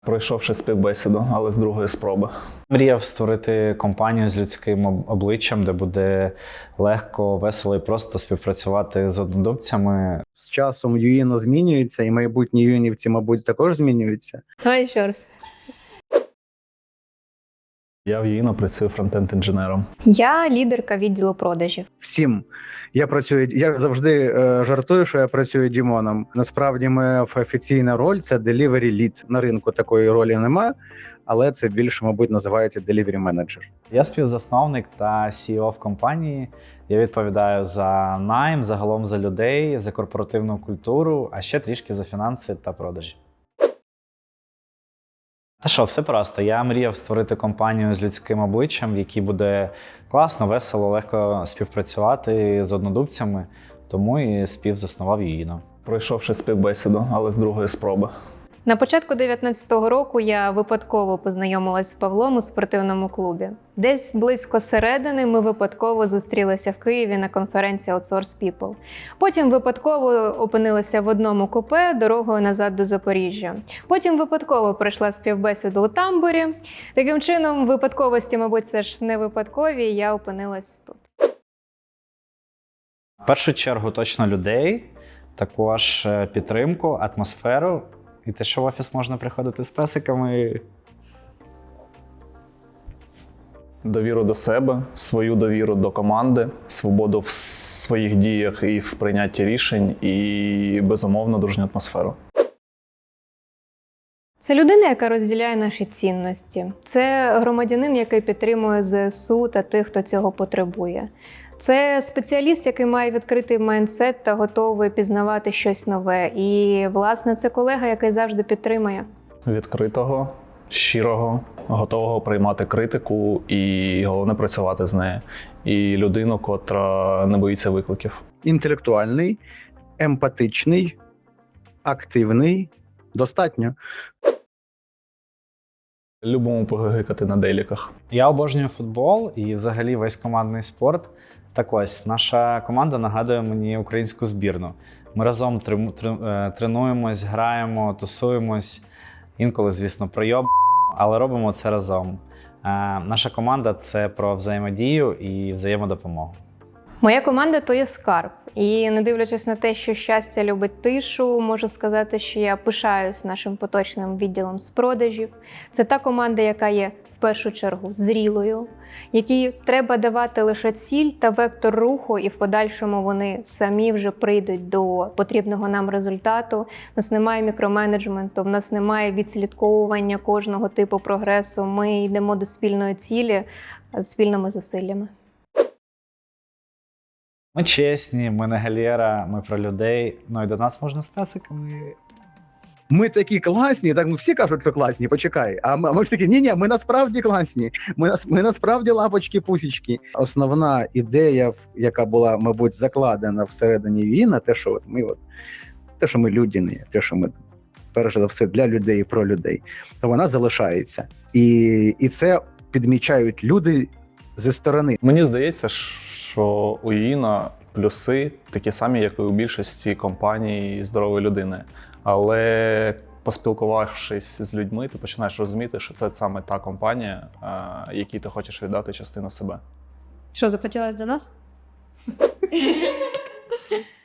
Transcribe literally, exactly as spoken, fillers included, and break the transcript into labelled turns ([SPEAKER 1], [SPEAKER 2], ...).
[SPEAKER 1] Пройшовши співбесіду, але з другої спроби.
[SPEAKER 2] Мріяв створити компанію з людським обличчям, де буде легко, весело і просто співпрацювати з однодумцями.
[SPEAKER 3] З часом ЮІНО змінюється, і майбутні юїнівці, мабуть, також змінюються.
[SPEAKER 4] Давай ще раз.
[SPEAKER 1] Я в ЮІНО працюю фронтенд-інженером.
[SPEAKER 4] Я лідерка відділу продажів.
[SPEAKER 3] Всім. Я працюю, я завжди е, жартую, що я працюю Дімоном. Насправді моя офіційна роль – це delivery lead. На ринку такої ролі немає, але це більше, мабуть, називається delivery manager.
[SPEAKER 2] Я співзасновник та сі і о в компанії. Я відповідаю за найм, загалом за людей, за корпоративну культуру, а ще трішки за фінанси та продажі. Та що, все просто. Я мріяв створити компанію з людським обличчям, в якій буде класно, весело, легко співпрацювати з однодумцями, тому і співзаснував ЮІНО.
[SPEAKER 1] Пройшовши співбесіду, але з другої спроби.
[SPEAKER 4] На початку дев'ятнадцятого року я випадково познайомилась з Павлом у спортивному клубі. Десь близько середини ми випадково зустрілися в Києві на конференції Outsource People. Потім випадково опинилися в одному купе дорогою назад до Запоріжжя. Потім випадково пройшла співбесіду у тамбурі. Таким чином, випадковості, мабуть, це ж не випадкові, і я опинилась тут.
[SPEAKER 2] В першу чергу точно людей, також підтримку, атмосферу. І те, що в офіс можна приходити з песиками.
[SPEAKER 1] Довіру до себе, свою довіру до команди, свободу в своїх діях і в прийнятті рішень, і, безумовно, дружню атмосферу.
[SPEAKER 4] Це людина, яка розділяє наші цінності. Це громадянин, який підтримує зе ес у та тих, хто цього потребує. Це спеціаліст, який має відкритий майндсет та готовий пізнавати щось нове. І, власне, це колега, який завжди підтримує.
[SPEAKER 1] Відкритого, щирого, готового приймати критику і, головне, працювати з нею. І людину, котра не боїться викликів.
[SPEAKER 3] Інтелектуальний, емпатичний, активний, достатньо.
[SPEAKER 1] Любимо погигикати на деліках.
[SPEAKER 2] Я обожнюю футбол і взагалі весь командний спорт. Так ось, наша команда нагадує мені українську збірну. Ми разом тренуємось, граємо, тусуємось, інколи, звісно, пройоб, але робимо це разом. Наша команда – це про взаємодію і взаємодопомогу.
[SPEAKER 4] Моя команда – то є скарб. І не дивлячись на те, що щастя любить тишу, можу сказати, що я пишаюсь нашим поточним відділом з продажів. Це та команда, яка є в першу чергу зрілою, якій треба давати лише ціль та вектор руху, і в подальшому вони самі вже прийдуть до потрібного нам результату. У нас немає мікроменеджменту, в нас немає відслідковування кожного типу прогресу. Ми йдемо до спільної цілі з спільними зусиллями.
[SPEAKER 2] Ми чесні, ми не галера, ми про людей. Ну і до нас можна з песиками.
[SPEAKER 3] Ми такі класні, так ну, всі кажуть, що класні, почекай. А ми, а ми ж такі, ні-ні, ми насправді класні, ми, ми насправді лапочки-пусічки. Основна ідея, яка була, мабуть, закладена всередині ЮІНО, те, що от ми, от, те, що ми людяні, те, що ми перш за все для людей і про людей, то вона залишається. І, і це підмічають люди зі сторони.
[SPEAKER 1] Мені здається, що у ЮІНО плюси такі самі, як і у більшості компаній здорової людини. Але поспілкувавшись з людьми, ти починаєш розуміти, що це саме та компанія, якій ти хочеш віддати частину себе.
[SPEAKER 4] Що, захотілося до нас?